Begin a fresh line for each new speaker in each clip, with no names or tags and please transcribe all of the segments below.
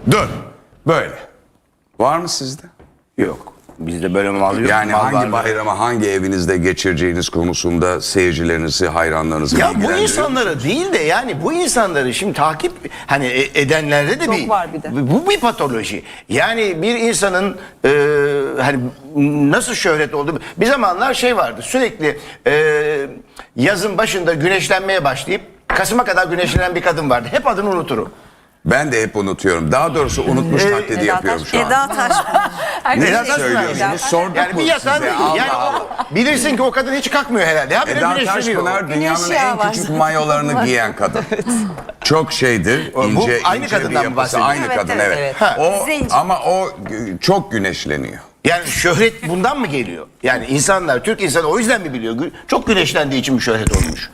Dur. Böyle. Var mı sizde?
Yok. Bizde böyle mal yok.
Yani
Mal
hangi
varlığı.
bayramı hangi evinizde geçireceğiniz konusunda seyircilerinizi, hayranlarınızı
Ya bu
bilgilendiriyor
insanları değil de yani bu insanları şimdi takip hani edenlerde de
Çok var bir de.
Bu bir patoloji. Yani bir insanın hani nasıl şöhret oldu? Bir zamanlar şey vardı. Sürekli yazın başında güneşlenmeye başlayıp Kasım'a kadar güneşlenen bir kadın vardı. Hep adını unuturum.
Ben de hep unutuyorum. Daha doğrusu unutmuş taklidi yapıyorum şu an.
Eda Taşpınar.
Ne
Eda Taşpınar.
söylüyorsunuz? Sorduk
Yani
mu
bir yatağı
size?
değil.
Allah
Yani
Allah.
bilirsin ki o kadın hiç kalkmıyor herhalde. Habire
Eda
güneşleniyor.
Taşpınar dünyanın
Güneş yağı
en
var.
küçük mayolarını giyen kadın. Çok şeydir, ince,
aynı
ince bir
kadından mı
yapısı.
bahsediyorsun?
Aynı
Evet,
kadın,
evet,
evet.
evet.
Ha.
O,
Zenci.
ama o çok güneşleniyor.
Yani şöhret bundan mı geliyor? Yani insanlar, Türk insanı o yüzden mi biliyor? Çok güneşlendiği için mi şöhret olmuş?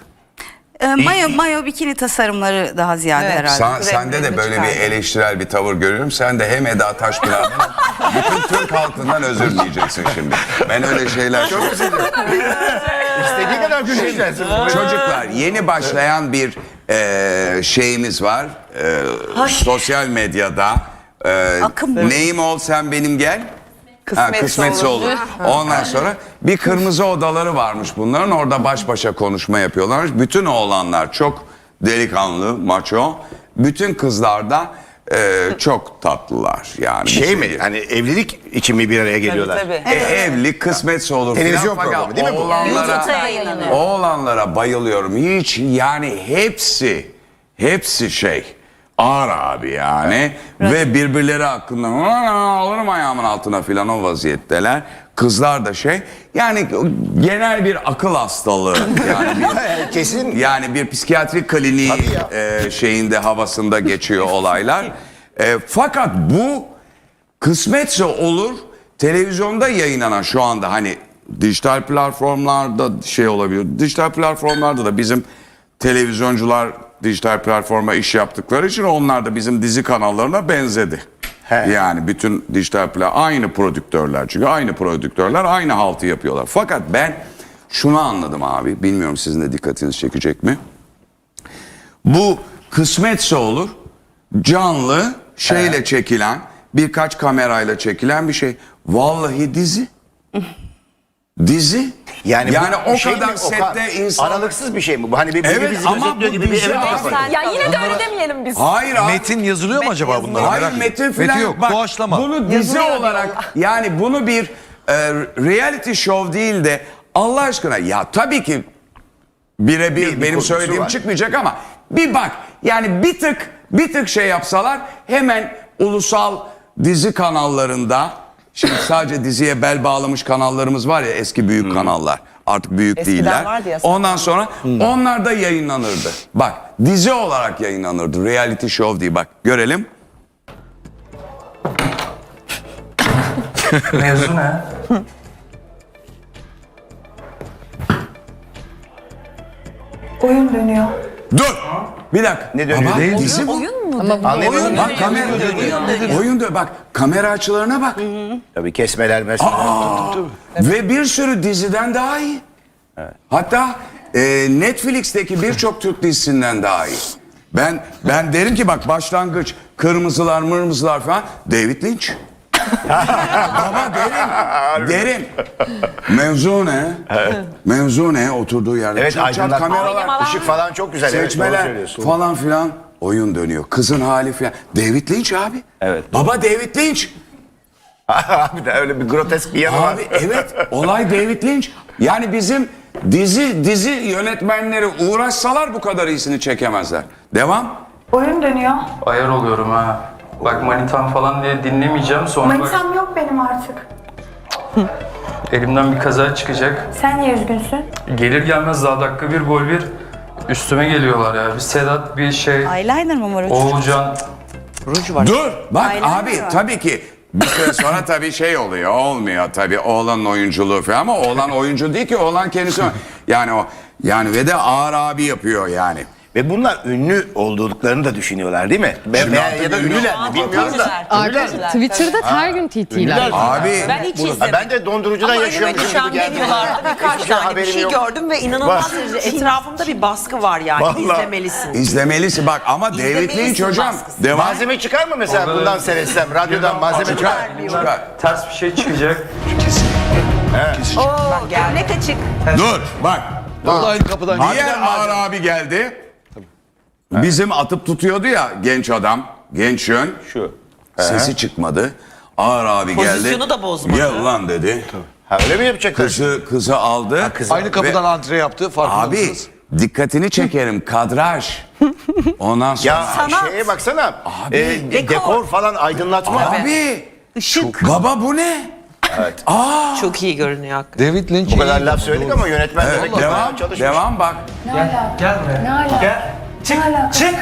Mayo bikini tasarımları daha ziyade herhalde.
Sende de böyle bir eleştirel bir tavır görüyorum. Sen de hem Eda Taşpınar'dan bütün Türk halkından özür dileyeceksin şimdi. Ben öyle şeyler çok
İstediği kadar güneşlensin.
Çocuklar, yeni başlayan bir şeyimiz var. Sosyal medyada.
Akım bu.
Neyim ol sen benim gel. Kısmetse
olur.
olur. Ondan sonra bir kırmızı odaları varmış bunların. Orada baş başa konuşma yapıyorlarmış. Bütün oğlanlar çok delikanlı, maço. Bütün kızlar da çok tatlılar. Yani
Şey mi? Hani evlilik için mi bir araya geliyorlar?
Tabii.
Evli kısmetse olur.
Televizyon
filan.
programı değil mi bu?
YouTube'da yayınlanıyor.
Oğlanlara bayılıyorum. Hiç yani hepsi şey ağır abi yani ve birbirleri hakkında alırım ayağımın altına filan o vaziyetteler. Kızlar da şey yani genel bir akıl hastalığı yani
Kesin.
yani bir psikiyatrik kliniği şeyinde havasında geçiyor olaylar. Fakat bu kısmetse olur televizyonda yayınlanan şu anda hani dijital platformlarda şey olabilir. Dijital platformlarda da bizim televizyoncular dijital platforma iş yaptıkları için onlar da bizim dizi kanallarına benzedi. Yani bütün dijital aynı prodüktörler çünkü aynı prodüktörler aynı haltı yapıyorlar. Fakat ben şunu anladım abi bilmiyorum sizin de dikkatinizi çekecek mi? Bu kısmetse olur canlı şeyle çekilen birkaç kamerayla çekilen bir şey. Vallahi dizi. Dizi. Yani o
şey
kadar
mi?
sette insan...
Aralıksız bir şey mi bu? Hani bir
Evet,
bizi
ama
gözetliyor
bu
gibi bir
dizi
eve
abi.
kapanıyor.
Ya yine de öyle demeyelim biz.
Hayır abi.
Metin yazılıyor mu acaba bunlara?
Hayır
Merak
metin
ediyorum.
falan
yok.
Bak,
Doğaçlama.
bunu dizi
Yazılıyor
olarak yani bunu bir reality show değil de Allah aşkına ya tabii ki birebir benim
kurgusu
söylediğim
var.
çıkmayacak ama bir bak yani bir tık şey yapsalar hemen ulusal dizi kanallarında şimdi sadece diziye bel bağlamış kanallarımız var ya eski büyük kanallar artık büyük
Eskiden
değiller.
vardı ya.
Ondan sonra onlar da yayınlanırdı. Bak dizi olarak yayınlanırdı reality show diye bak görelim.
Mevzu ne?
Oyun dönüyor.
Dur. Bir dakika.
Ne dönüyor?
Baba, dizi bu.
Anlayamadım.
Bak kamera oyun dönüyor. Bak kamera açılarına bak.
Tabii kesmeler mesela.
Ve bir sürü diziden daha iyi. Hatta Netflix'teki birçok Türk dizisinden daha iyi. Ben derim ki bak başlangıç kırmızılar mırmızılar falan David Lynch. Baba derim. Mevzu ne? Mevzu ne? Oturduğu yerde.
Evet
Çat çat
aydınlatma,
kameralar,
ışık falan çok güzel. Evet, doğru
seçmeler
söylüyorsun.
falan filan. Oyun dönüyor. Kızın hali filan. David Lynch abi.
Evet.
Baba David Lynch.
Abi de öyle bir grotesk bir yanı var.
Abi evet olay David Lynch. Yani bizim dizi yönetmenleri uğraşsalar bu kadar iyisini çekemezler. Devam.
Oyun dönüyor.
Ayar oluyorum ha. Bak manitam falan diye dinlemeyeceğim sonra bak
Manitam yok benim artık.
elimden bir kaza çıkacak.
Sen niye üzgünsün?
Gelir gelmez daha dakika bir gol bir üstüme geliyorlar ya. Bir Sedat bir şey
Eyeliner mı var?
Oğulcan
Dur. Bak
Aynen
abi
öyle.
tabii ki bir süre sonra tabii şey oluyor. Olmuyor tabii oğlanın oyunculuğu falan ama oğlan oyuncu değil ki oğlan kendisi. Yani o yani ve de ağır abi yapıyor yani.
Ve bunlar ünlü olduklarını da düşünüyorlar değil mi? Ya da ünlüler mi bilmiyorum da.
Arkadaşlar Twitter'da her gün TT'ler.
Abi
Ben hiç
Ha,
izlemedim.
ben de dondurucudan
Ama
yaşıyormuşum
önüme düşen
gibi geldi.
menülarda birkaç
Hiçbir şey
tane bir
haberim
şey
yok.
gördüm ve inanılmaz derecede etrafımda bir baskı var yani.
Vallahi.
İzlemelisin.
izlemelisin bak ama David
İzlemelisin
Lynch hocam.
baskısı.
Devam.
Malzeme çıkar mı mesela
Orada
bundan
da-
seyretsem? Radyodan malzeme çıkar.
Çıkar.
Ters bir şey çıkacak.
Oo, ne kaçık.
Dur bak.
Aynı kapıdan
Diğer Ağır abi geldi. Bizim atıp tutuyordu ya genç adam. Genç yön.
Şu.
Sesi çıkmadı. Ağır abi geldi.
Pozisyonu da bozmadı.
Gel lan dedi.
Ha, öyle mi yapacaklar?
Kızı aldı.
Aynı kapıdan antre yaptı. Farkında
Abi
mısınız?
dikkatini çekerim kadraj. Ondan sonra.
Ya şeye baksana. Dekor falan aydınlatma.
Abi.
Işık.
Baba bu ne?
Çok iyi görünüyor hakikaten.
David Lynch
Bu kadar laf söyledik ama yönetmen demek ki
Devam.
bayağı çalışmış.
Devam bak.
Gel buraya.
Ne alaka?
Gel. Çık.
Ne alaka?
Çık.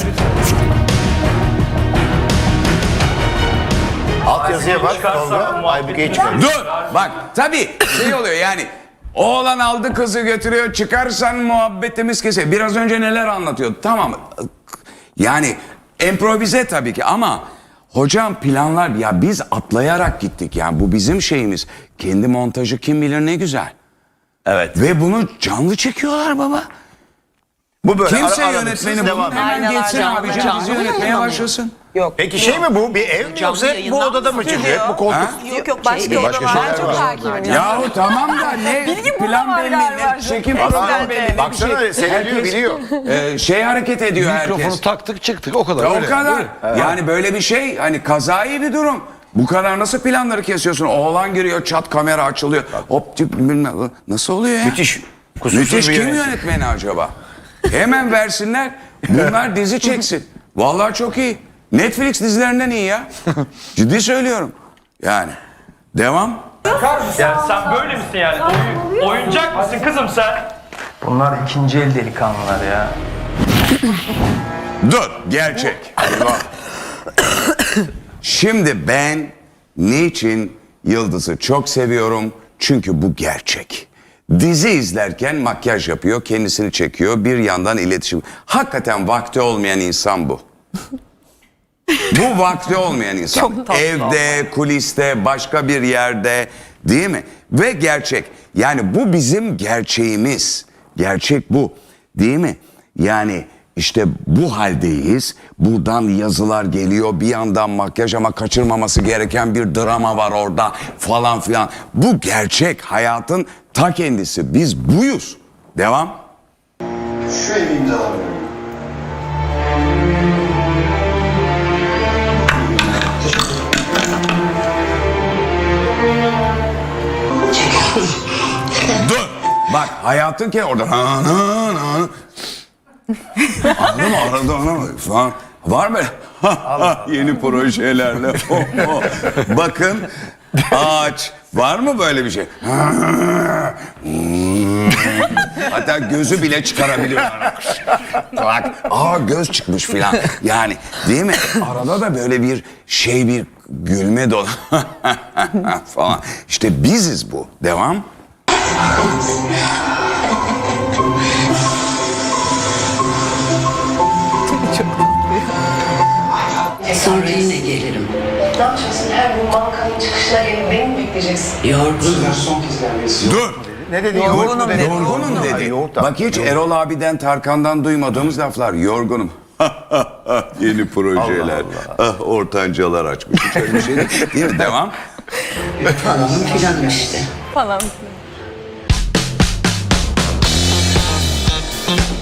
Alt yazıya bak.
Çıkarsa
Tolga.
muhabbeti-
Aybüke'yi çıkar.
Dur. Bak tabii şey oluyor yani. Oğlan aldı kızı götürüyor. Çıkarsan muhabbetimiz kesiyor. Biraz önce neler anlatıyordu. Tamam. Yani improvize tabii ki ama hocam planlar ya biz atlayarak gittik. Yani bu bizim şeyimiz. Kendi montajı kim bilir ne güzel.
Evet.
Ve bunu canlı çekiyorlar baba.
Bu böyle
Kimse
aralıksız
yönetmeni
devam
bunu hemen
Aynalar
geçsin
canlı,
abicim
canlı
dizi yönetmeye
yayınlanıyor.
başlasın.
Yok.
Peki şey mi bu? Bir ev mi
Canlı
yoksa hep bu
yayından
odada mı çıkıyor? Hep bu koltuk?
Ha?
Yok yok başka
başka
oda var.
şeyler
Çok
var.
hakimim.
Yahu tamam da ne plan belli, ne çekim programı belli, ne bir
Baksana
şey.
seyrediyor biliyor.
Şey hareket ediyor
mikrofonu
herkes.
taktık çıktık o kadar.
Ya o
öyle.
kadar. Yani böyle bir şey hani kazayı bir durum. Bu kadar nasıl planları kesiyorsun? Oğlan giriyor çat kamera açılıyor. Hop tip bilmem nasıl oluyor ya?
Müthiş. Kusursuz
Müthiş
bir
kim
yönetim.
yönetmeni acaba? Hemen versinler. Bunlar dizi çeksin. Vallahi çok iyi. Netflix dizilerinden iyi ya. Ciddi söylüyorum. Yani. Devam.
Yani sen böyle misin yani? Oyuncak mısın kızım sen? Bunlar ikinci el delikanlılar ya.
Dur. Gerçek. Eyvah. Şimdi ben niçin Yıldız'ı çok seviyorum? Çünkü bu gerçek. Dizi izlerken makyaj yapıyor, kendisini çekiyor, bir yandan iletişim. Hakikaten vakti olmayan insan bu. Bu vakti olmayan insan.
Çok tatlı
Evde, kuliste, başka bir yerde, değil mi? Ve gerçek. Yani bu bizim gerçeğimiz. Gerçek bu. Değil mi? Yani işte bu haldeyiz. Buradan yazılar geliyor. Bir yandan makyaj ama kaçırmaması gereken bir drama var orada falan filan. Bu gerçek. Hayatın ta kendisi. Biz buyuz. Devam.
Şu evi imzalamıyorum.
Dur. Bak hayatın ki orada. Anladın mı? Arada ona falan. Var mı? Yeni projelerle. Bakın ağaç. Var mı böyle bir şey? Hatta gözü bile çıkarabiliyorlar. Bak, göz çıkmış filan. Yani değil mi? Arada da böyle bir şey bir gülme dolu falan. İşte biziz bu. Devam.
Sonra yine gelirim.
Ne yapacaksın? Her gün bankanın çıkışına gelip beni mi bekleyeceksin?
Yorgunum.
Son kez gelmesi.
Dur.
Ne dedi?
Yorgunum dedi.
Yorgunum dedi.
Yoğurt da.
Bak hiç Erol abiden Tarkan'dan duymadığımız laflar. Yorgunum. Yeni projeler. Ah ortancalar açmış. Hiç öyle bir şey değil mi? Devam.
Falan filan işte.
Falan.